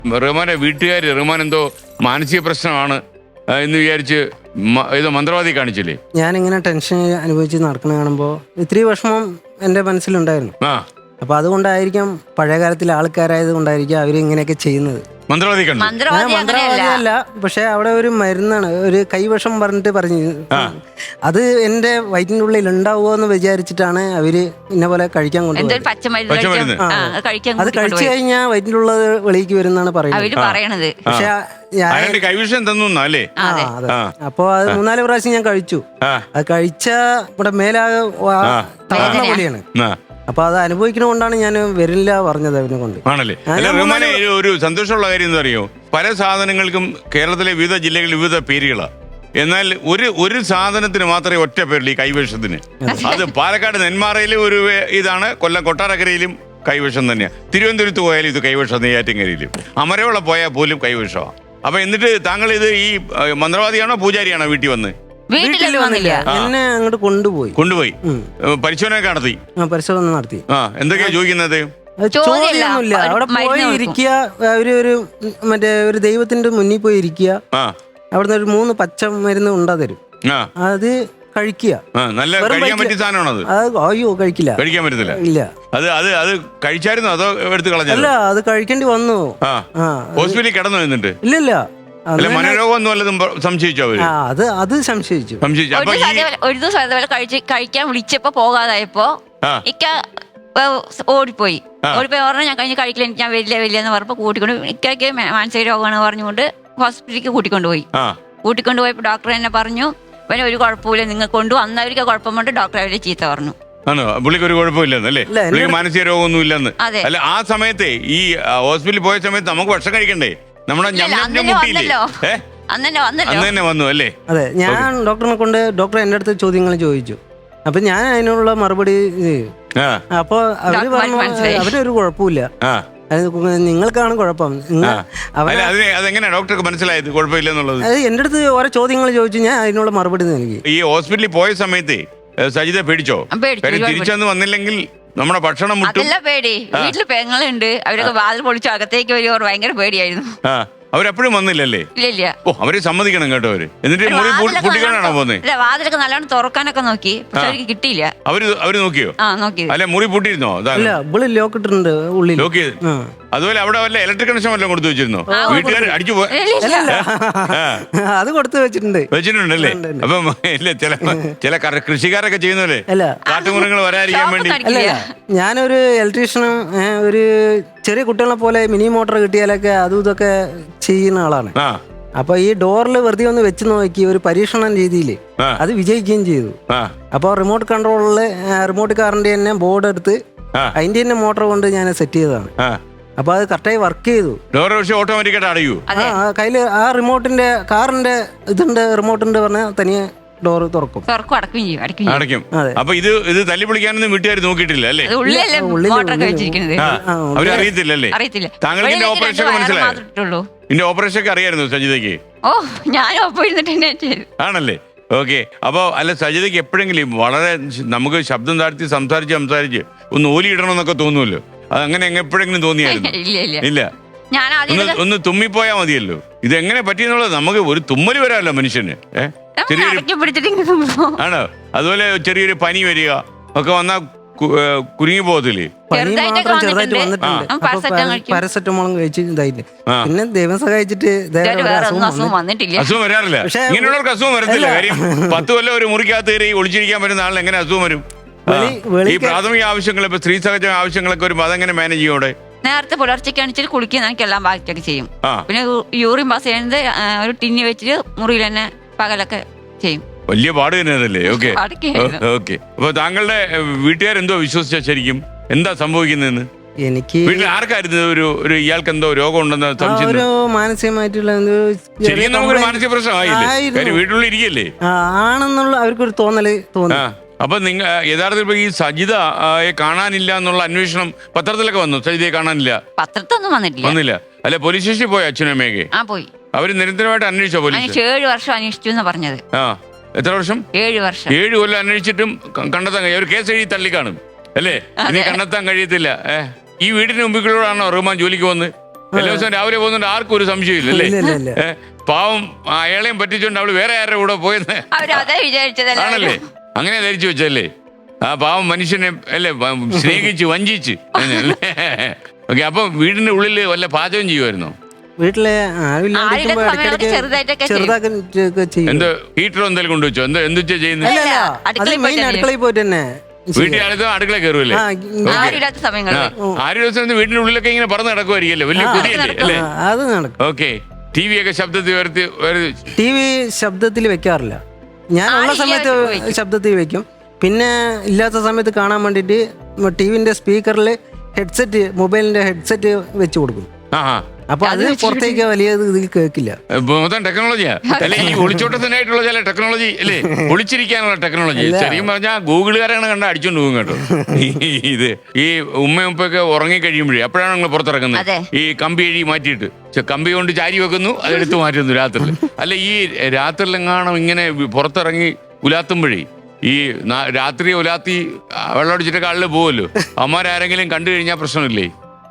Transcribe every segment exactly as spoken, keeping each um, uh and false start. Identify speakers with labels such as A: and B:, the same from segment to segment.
A: റഹ്മാന്റെ വീട്ടുകാർ റഹ്മാൻ എന്തോ മാനസിക പ്രശ്നമാണ് എന്ന് വിചാരിച്ച് ഏതോ മന്ത്രവാദി കാണിച്ചില്ലേ?
B: ഞാനിങ്ങനെ ടെൻഷൻ അനുഭവിച്ച് നടക്കുന്ന കാണുമ്പോൾ ഇത്തിരി വിഷമം എൻ്റെ മനസ്സിലുണ്ടായിരുന്നു.
A: ആ
B: അപ്പൊ അതുകൊണ്ടായിരിക്കാം പഴയ കാലത്തിലെ ആൾക്കാരായത് കൊണ്ടായിരിക്കും അവർ ഇങ്ങനെയൊക്കെ ചെയ്യുന്നത്.
A: മന്ത്രവാദി കണ്ടു.
B: മന്ത്രവാദിയല്ല, പക്ഷെ അവിടെ ഒരു മരുന്നാണ്, ഒരു കൈവശം പറഞ്ഞിട്ട് പറഞ്ഞു. അത് എന്റെ വയറ്റിന്റെ ഉള്ളിൽ ഉണ്ടാവുമോ എന്ന് വിചാരിച്ചിട്ടാണ് അവര് ഇന്ന പോലെ കഴിക്കാൻ കൊണ്ടുപോയത്. അത് കഴിച്ചു കഴിഞ്ഞാൽ വയറ്റിന്റെ ഉള്ളത് വെളിക്ക് വരുന്നാണ് പറയുന്നത്. പക്ഷെ
A: കൈവിഷം തന്നു അല്ലേ?
B: അപ്പൊ അത് മൂന്നാല് പ്രാവശ്യം ഞാൻ കഴിച്ചു. അത് കഴിച്ച ഇവിടെ മേലാകെ തളർന്ന പോലെയാണ്. അപ്പൊ അത് അനുഭവിക്കണോണ്ടാണ് ഞാൻ വരില്ല പറഞ്ഞത് അവനെ കൊണ്ട്.
A: ആണല്ലേ? റഹ്മാനെ ഒരു സന്തോഷമുള്ള കാര്യം എന്താ അറിയോ, പല സാധനങ്ങൾക്കും കേരളത്തിലെ വിവിധ ജില്ലകളിൽ വിവിധ പേരുകളാണ്. എന്നാൽ ഒരു ഒരു സാധനത്തിന് മാത്രമേ ഒറ്റ പേരുള്ളൂ, ഈ കൈവിഷത്തിന്. അത് പാലക്കാട് നെന്മാറയിലും ഒരു ഇതാണ്, കൊല്ലം കൊട്ടാരക്കരയിലും കൈവിഷം തന്നെയാണ്. തിരുവനന്തപുരത്ത് പോയാലും ഇത് കൈവിഷം, നെയ്യാറ്റിൻകരയിലും അമരവള പോയാൽ പോലും കൈവിഷമാണ്. അപ്പൊ എന്നിട്ട് താങ്കൾ ഇത് ഈ മന്ത്രവാദിയാണോ പൂജാരിയാണോ വീട്ടിൽ വന്ന്?
B: വീട്ടിൽ വന്നില്ല, എന്നെ അങ്ങോട്ട് കൊണ്ടുപോയി
A: കൊണ്ടുപോയി പരിശോധന നടത്തി.
B: പരിശോധന നടത്തി.
A: ആ എന്തൊക്കെയാ ചോദിക്കുന്നത്?
B: ചോദ്യമൊന്നുമില്ല. അവിടെ പോയി ഇരിക്കുക, അവര് ഒരു മറ്റേ ഒരു ദൈവത്തിന്റെ മുന്നിൽ പോയി ഇരിക്കുക. അവിടുന്ന് ഒരു മൂന്ന് പച്ച മരുന്ന് ഉണ്ടാ തരും, അത് കഴിക്കുക.
A: നല്ല കഴിക്കാൻ പറ്റിയ സാധനമാണോ?
B: അയ്യോ കഴിക്കില്ല,
A: കഴിക്കാൻ പറ്റത്തില്ല.
B: ഇല്ല. അത്
A: അത് അത് കഴിച്ചായിരുന്നോ അതോ എടുത്ത് കളഞ്ഞോ?
B: അല്ല, അത് കഴിക്കേണ്ടി വന്നു.
A: ഹോസ്പിറ്റലിൽ കിടന്നു എന്നിട്ട്?
B: ഇല്ല ഇല്ല,
A: മനോരോഗം ഒന്നും വല്ലതും സംശയിച്ചോ അവര്?
B: അത് അത് സംശയിച്ചു.
C: ഒരു ദിവസം അതുപോലെ കഴിക്കാൻ വിളിച്ചപ്പോ പോകാതായപ്പോ ഇക്ക ഓടിപ്പോയി. ഓടിപ്പോയി പറഞ്ഞാൽ ഞാൻ കഴിഞ്ഞ് കഴിക്കില്ല, എനിക്ക് ഞാൻ വലിയ വലിയ എന്ന് പറഞ്ഞപ്പോ കൂട്ടിക്കൊണ്ട് ഇക്കയ്ക്ക് മാനസിക രോഗമാണ് പറഞ്ഞുകൊണ്ട് ഹോസ്പിറ്റലിലേക്ക് കൂട്ടിക്കൊണ്ടുപോയി. കൂട്ടിക്കൊണ്ടുപോയപ്പോ ഡോക്ടർ എന്നെ പറഞ്ഞു, പിന്നെ ഒരു കുഴപ്പമില്ല, നിങ്ങൾ കൊണ്ടു വന്നവർക്ക് കുഴപ്പം കൊണ്ട് ഡോക്ടർ അവരെ ചീത്ത പറഞ്ഞു.
A: ആണോ? പുള്ളിക്ക് ഒരു കുഴപ്പമില്ലെന്നല്ലേ? പുള്ളിക്ക് മാനസിക രോഗമൊന്നും ഇല്ലെന്ന്. അല്ല, ആ സമയത്തെ ഈ ഹോസ്പിറ്റലിൽ പോയ സമയത്ത് നമുക്ക് ഭക്ഷണം കഴിക്കണ്ടേ? നമ്മുടെ വന്നു അല്ലേ?
B: അതെ, ഞാൻ ഡോക്ടറിനെ കൊണ്ട് ഡോക്ടർ എന്റെ അടുത്ത് ചോദ്യങ്ങൾ ചോദിച്ചു. അപ്പൊ ഞാൻ അതിനുള്ള മറുപടി. അപ്പൊ അവര് പറഞ്ഞു അവരൊരു കുഴപ്പമില്ല, നിങ്ങൾക്കാണ് കുഴപ്പം.
A: ഡോക്ടർക്ക് മനസ്സിലായത് കുഴപ്പമില്ലെന്നുള്ളത്?
B: അത് എന്റെ അടുത്ത് ഓരോ ചോദ്യങ്ങൾ ചോദിച്ചു, ഞാൻ അതിനുള്ള മറുപടി നൽകി.
A: ഈ ഹോസ്പിറ്റലിൽ പോയ സമയത്ത് സജിത പേടിച്ചോ? തിരിച്ചൊന്നും വന്നില്ലെങ്കിൽ നമ്മുടെ ഭക്ഷണം മുട്ടും.
C: അതല്ല പേടി, വീട്ടില് പെങ്ങളുണ്ട്, അവരൊക്കെ വാതിൽ പൊളിച്ചു അകത്തേക്ക് വരുവോ, ഭയങ്കര പേടിയായിരുന്നു.
A: അവരെപ്പോഴും വന്നില്ലല്ലേ?
C: ഇല്ല.
A: ഓ, അവരെ സമ്മതിക്കണം കേട്ടോ. അവര് എന്നിട്ട് പൊട്ടിക്കാനാണോ പോകുന്നത്?
C: വാതിലൊക്കെ നല്ലോണം തുറക്കാനൊക്കെ നോക്കി, പക്ഷെ അവർക്ക് കിട്ടിയില്ല.
A: അവര് അവര് നോക്കിയോ?
C: ആ നോക്കി.
A: അല്ലെ മുറി പൂട്ടിയിരുന്നോ?
B: ലോക്ക് ഇട്ടിട്ടുണ്ട് ഉള്ളിൽ.
A: ലോക്ക് ചെയ്ത്. അതുപോലെ അവിടെ വല്ല ഇലക്ട്രിക് കണക്ഷൻ വല്ലതും കൊടുത്തു വെച്ചിരുന്നോ? വീട്ടുകാർ അടിച്ചു പോയി
B: അത് കൊടുത്തു വെച്ചിട്ടുണ്ട്
A: വെച്ചിട്ടുണ്ടല്ലേ? അപ്പം ഇല്ല, ചില ചില കൃഷിക്കാരൊക്കെ ചെയ്യുന്നല്ലേ കാട്ടുമൃഗങ്ങൾ വരാതിരിക്കാൻ വേണ്ടി.
B: അല്ല, ഞാനൊരു ഇലക്ട്രീഷ്യനും ഒരു ചെറിയ കുട്ടികളെ പോലെ മിനി മോട്ടോർ കിട്ടിയാലൊക്കെ അതും ഇതൊക്കെ ചെയ്യുന്ന ആളാണ്. അപ്പൊ ഈ ഡോറിൽ വെറുതെ ഒന്ന് വെച്ച് നോക്കി ഒരു പരീക്ഷണ രീതിയിൽ അത് വിജയിക്കുകയും ചെയ്തു. അപ്പൊ റിമോട്ട് കൺട്രോളില് റിമോട്ട് കാറിന്റെ തന്നെ ബോർഡ് എടുത്ത് അതിന്റെ തന്നെ മോട്ടോർ കൊണ്ട് ഞാൻ സെറ്റ് ചെയ്തതാണ്. അപ്പൊ അത് കറക്റ്റായി വർക്ക് ചെയ്തു.
A: ഓട്ടോമാറ്റിക്കായിട്ട് അടയൂ.
B: കയ്യില് ആ റിമോട്ടിന്റെ കാറിന്റെ ഇതുണ്ട്, റിമോട്ടുണ്ട് പറഞ്ഞാൽ തനിയെ ഡോർ തുറക്കും,
A: അടയ്ക്കും. അപ്പൊ ഇത് ഇത് തല്ലി പൊളിക്കാനൊന്നും വീട്ടുകാർ നോക്കിയിട്ടില്ല അല്ലേ? അവരറിയത്തില്ലല്ലേ? താങ്കൾക്ക് ഇതിന്റെ ഓപ്പറേഷൻ ഒക്കെ മനസ്സിലായോ? ഇതിന്റെ ഓപ്പറേഷൻ ഒക്കെ അറിയായിരുന്നു സജിതയ്ക്ക്?
C: ഓ, ഞാൻ
A: ആണല്ലേ? ഓക്കെ. അപ്പൊ അല്ല, സജിതയ്ക്ക് എപ്പോഴെങ്കിലും വളരെ നമുക്ക് ശബ്ദം താഴ്ത്തി സംസാരിച്ച് സംസാരിച്ച് ഒന്ന് ഓലി ഇടണമെന്നൊക്കെ തോന്നുമല്ലോ, അത് അങ്ങനെ എപ്പോഴെങ്കിലും തോന്നിയായിരുന്നു? ഇല്ല. ഒന്ന് തുമ്മിപ്പോയാ മതിയല്ലോ. ഇത് എങ്ങനെ പറ്റിയെന്നുള്ളത് നമുക്ക് ഒരു തുമ്മല് വരാമല്ലോ മനുഷ്യന്. ഏഹ് ആണോ? അതുപോലെ ചെറിയൊരു പനി വരിക ഒക്കെ വന്നാ കുരുങ്ങി പോകത്തില്ലേ?
B: പാരസെറ്റമോളും കഴിച്ച് ഇതായില്ലേ, പിന്നെ ദൈവം സഹായിച്ചിട്ട്
A: അസുഖം വരാറില്ല. ഇങ്ങനെയുള്ളവർക്ക് അസുഖം വരത്തില്ല. കാര്യം പത്ത് കൊല്ലം ഒരു മുറിക്കകത്ത് കയറി ഒളിച്ചിരിക്കാൻ പറ്റുന്ന ആളിന് എങ്ങനെ അസുഖം വരും? ഈ പ്രാഥമിക ആവശ്യങ്ങൾ, ഇപ്പൊ സ്ത്രീ സഹജ ആവശ്യങ്ങളൊക്കെ വരുമ്പോ അതെങ്ങനെ മാനേജ് ചെയ്യോടെ?
C: നേരത്തെ പുലർച്ചയ്ക്കാണെച്ചാൽ കുളിക്കുന്ന എനിക്കെല്ലാം ബാക്കിയൊക്കെ ചെയ്യും. പിന്നെ യൂറിൻ പാസ് ചെയ്യുന്നത് ഒരു ടിന്നി വെച്ചിട്ട് മുറിയിൽ തന്നെ പകലൊക്കെ ചെയ്യും.
A: വലിയ പാട് തന്നെയല്ലേ? Okay okay. അപ്പൊ താങ്കളുടെ വീട്ടുകാരെന്തോ വിശ്വസിച്ച ശരിക്കും എന്താ സംഭവിക്കുന്നതെന്ന്?
B: എനിക്ക്
A: വീട്ടിൽ ആർക്കായിരുന്നു ഒരു ഒരു ഇയാൾക്ക് എന്തോ രോഗം ഉണ്ടെന്ന് സംശയം?
B: മാനസികമായിട്ടുള്ള
A: ശരിക്കും നമുക്കൊരു മാനസിക പ്രശ്നമായില്ലേ? വീട്ടിലുള്ള ഇരിക്കല്ലേ
B: ആണെന്നുള്ള അവർക്കൊരു തോന്നല് തോന്നി.
A: അപ്പൊ നിങ്ങൾ യഥാർത്ഥത്തിൽ ഈ സജിതയെ കാണാനില്ല എന്നുള്ള അന്വേഷണം പത്രത്തിലൊക്കെ വന്നു. സജിതയെ കാണാനില്ല
C: പത്രത്തൊന്നും വന്നിട്ടില്ല.
A: വന്നില്ല. അല്ലെ, പോലീസ് സ്റ്റേഷനിൽ പോയി അച്ഛനും അമ്മയൊക്കെ?
C: ആ പോയി.
A: അവര് നിരന്തരമായിട്ട് അന്വേഷിച്ചോ? പോലീസ്
C: ഏഴ് വർഷം അന്വേഷിച്ചു എന്ന് പറഞ്ഞത്.
A: ആ, എത്ര വർഷം?
C: ഏഴ് വർഷം.
A: ഏഴ് കൊല്ലം അന്വേഷിച്ചിട്ടും കണ്ടെത്താൻ കഴിയും. ഒരു കേസ് എഴുതി തള്ളിക്കാണും അല്ലേ? ഇനി കണ്ടെത്താൻ കഴിയത്തില്ല. ഏഹ് ഈ വീടിന് മുമ്പിലൂടെയാണോ റഹ്മാൻ ജോലിക്ക് വന്ന്? എല്ലാ ദിവസവും രാവിലെ പോകുന്നുണ്ട്, ആർക്കും ഒരു സംശയമില്ല അല്ലേ?
B: ഇല്ല ഇല്ല ഇല്ല
A: ഏ, പാവം അയാളെയും പറ്റിച്ചോണ്ട് അവള് വേറെ ആരുടെ കൂടെ പോയെന്ന്
C: അവരതേ വിചാരിച്ചതല്ലേ.
A: ആണല്ലേ? അങ്ങനെ ധരിച്ചു വെച്ചല്ലേ ആ പാവം മനുഷ്യനെ അല്ലേ വ- സ്നേഹിച്ച് വഞ്ചിച്ച് ഓക്കെ. അപ്പൊ വീടിന്റെ ഉള്ളില് വല്ല പാചകം ചെയ്യുമായിരുന്നോ?
B: വീട്ടിലെ ആരുമില്ലാണ്ടിരിക്കുമ്പോ
C: ആരുടെ സമയം
B: ഇടയ്ക്കിടയ്ക്ക്
C: ചെറുതായിട്ടൊക്കെ ചെയ്യും.
B: ചെറുതാക്കി ചെയ്യും.
A: എന്തോ ഹീറ്ററോ എന്തെങ്കിലും കൊണ്ടുവച്ചോ? എന്തോ എന്തുച്ചാ ചെയ്യുന്നത്?
B: അല്ല അല്ല അത്
C: അടുക്കളയിൽ
B: മെയിൻ
C: പോയിട്ട്
B: അടുക്കളയിൽ പോയിട്ട് തന്നെ
A: വീട്ടിൽ ആളുകൾ അടുക്കള കയറുമല്ലേ?
B: ആ,
C: ആരുമില്ലാത്ത സമയങ്ങളിൽ
A: ആര് ദിവസം വീടിന്റെ ഉള്ളിലൊക്കെ ഇങ്ങനെ പറന്ന് നടക്കുമായിരിക്കല്ലേ? വലിയ കുതിയല്ലേ അല്ലേ?
B: ആ, അത് നടക്കും.
A: ഓക്കെ. ടി വി ഒക്കെ ശബ്ദത്തിൽ ഉയർത്തി ഉയർത്തി-
B: ടി വി ശബ്ദത്തിൽ വെക്കാറില്ല. ഞാൻ ഉള്ള സമയത്ത് ശബ്ദത്തിൽ വെക്കും. പിന്നെ ഇല്ലാത്ത സമയത്ത് കാണാൻ വേണ്ടിയിട്ട് ടി വിന്റെ സ്പീക്കറിൽ ഹെഡ്സെറ്റ് മൊബൈലിന്റെ ഹെഡ്സെറ്റ് വെച്ച് കൊടുക്കും.
A: ആഹാ.
B: അപ്പൊ അത് പുറത്തേക്ക് വലിയ ഇതിൽ കേൾക്കില്ല.
A: ഇപ്പൊ മൊത്തം ടെക്നോളജിയാ അല്ലെ? ഈ ഒളിച്ചോട്ടത്തിനായിട്ടുള്ള ചില ടെക്നോളജി അല്ലേ? ഒളിച്ചിരിക്കാനുള്ള ടെക്നോളജി. ശരിക്കും പറഞ്ഞാൽ ഗൂഗിളുകാരാണ് കണ്ട അടിച്ചോണ്ട് പോകും കേട്ടോ. ഇത് ഈ ഉമ്മ ഉപ്പൊക്കെ ഉറങ്ങി കഴിയുമ്പോഴേ അപ്പോഴാണ് നിങ്ങൾ പുറത്തിറങ്ങുന്നത്.
C: അതെ.
A: ഈ കമ്പി എഴി മാറ്റിയിട്ട് ചെ- കമ്പി കൊണ്ട് ചാരി വെക്കുന്നു, അതെടുത്ത് മാറ്റുന്നു രാത്രിയിൽ. അല്ല ഈ രാത്രിയിലെങ്ങാനും ഇങ്ങനെ പുറത്തിറങ്ങി ഉലാത്തുമ്പോഴേ ഈ നാ- രാത്രി ഉലാത്തി വെള്ളമടിച്ചിട്ടൊക്കെ ആളില് പോവല്ലോ. അമ്മമാരാരെങ്കിലും കണ്ടു കഴിഞ്ഞാൽ പ്രശ്നമില്ലേ?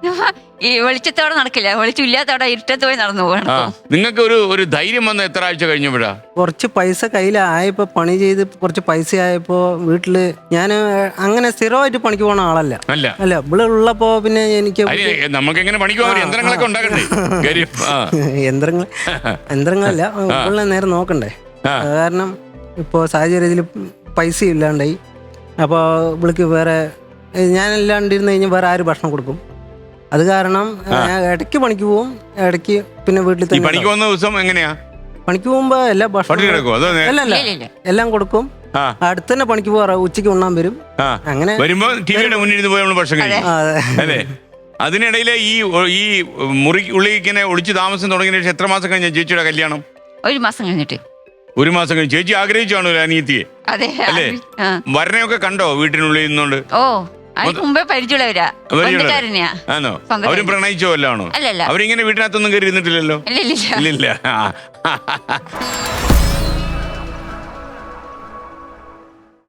C: ഈ വെളിച്ചത്തോടെ നടക്കില്ല, വെളിച്ചമില്ലാത്തോടെ ഇരുട്ടത്ത് പോയി നടന്നു പോകണം.
A: ആ നിങ്ങൾക്ക് ഒരു ഒരു ധൈര്യം വന്ന എത്ര ആഴ്ച കഴിഞ്ഞപ്പോഴാ?
B: കുറച്ച് പൈസ കയ്യിലായപ്പോ പണി ചെയ്ത് കുറച്ച് പൈസ ആയപ്പോ വീട്ടില് ഞാൻ അങ്ങനെ സ്ഥിരമായിട്ട് പണിക്ക് പോണ ആളല്ല.
A: അല്ല
B: അല്ല ഇവിടെ ഉള്ളപ്പോ പിന്നെ എനിക്ക്
A: അതിന് നമുക്ക് എങ്ങനെ പണിക്ക് പോകാൻ യന്ത്രങ്ങളൊക്കെ ഉണ്ടാക്കണ്ടേ? കാര്യം ആ.
B: യന്ത്രങ്ങൾ യന്ത്രങ്ങളല്ല ഉള്ള നേരം നോക്കണ്ടേ.
A: ആ.
B: കാരണം ഇപ്പോൾ സാഹചര്യത്തിൽ പൈസ ഇല്ലാണ്ടായി. അപ്പോൾ ഇവൾക്ക് വേറെ ഞാനില്ലാണ്ടിരുന്ന് കഴിഞ്ഞാൽ വേറെ ആര് ഭക്ഷണം കൊടുക്കും? അത് കാരണം ഞാൻ ഇടയ്ക്ക് പണിക്ക് പോവും, ഇടയ്ക്ക് പിന്നെ വീട്ടിൽ
A: ഈ
B: തന്നെ
A: പണിക്ക് വന്ന ദിവസം എങ്ങനെയാ?
B: പണിക്ക് പോകുമ്പോ എല്ലാ
A: പട്ടി
B: ഭക്ഷണം
A: കിടക്കുമോ? അതോ നേ-
B: അല്ല അല്ല
C: ഇല്ല, ഇല്ല.
B: എല്ലാം കൊടുക്കും.
A: ആ
B: അടുത്ത് തന്നെ പണിക്ക് പോകാറ, ഉച്ചയ്ക്ക് ഉണ്ണാൻ വരും.
A: ആ
B: അങ്ങനെ
A: വരുമ്പോ ടിവിയുടെ മുന്നിൽ ഇരുന്ന് പോയി നമ്മൾ ഭക്ഷണം കഴിക്കും
B: ആ, അതെ.
A: അല്ലേ? അതിനിടയിലെ ഈ ഈ മുറി ഉള്ളിൽ ഇങ്ങനെ ഒളിച്ച് താമസം തുടങ്ങിയ ശേഷം എത്ര മാസം കഴിഞ്ഞ ചേച്ചിയുടെ കല്യാണം?
C: ഒരു മാസം കഴിഞ്ഞിട്ട്.
A: ഒരു മാസം കഴിഞ്ഞ് ചേച്ചി ആഗ്രഹിച്ചാണോ അനിയത്തിയെ?
C: അതെ.
A: അല്ലേ?
C: ആ.
A: വരനെയൊക്കെ കണ്ടോ വീട്ടിനുള്ളിൽ നിന്നുകൊണ്ട്?
C: ഓ അതിന് മുമ്പേ പരിചയമുള്ളവരാ, ബന്ധുക്കാരനെയാ.
A: ആണോ?
C: സ്വന്തം
A: അവരും പ്രണയിച്ചോ വല്ലാണോ?
C: അല്ലല്ല.
A: അവരിങ്ങനെ വീട്ടിനകത്തൊന്നും കയറി ഇരുന്നിട്ടില്ലല്ലോ?
C: ഇല്ല ഇല്ല
A: ഇല്ലില്ല.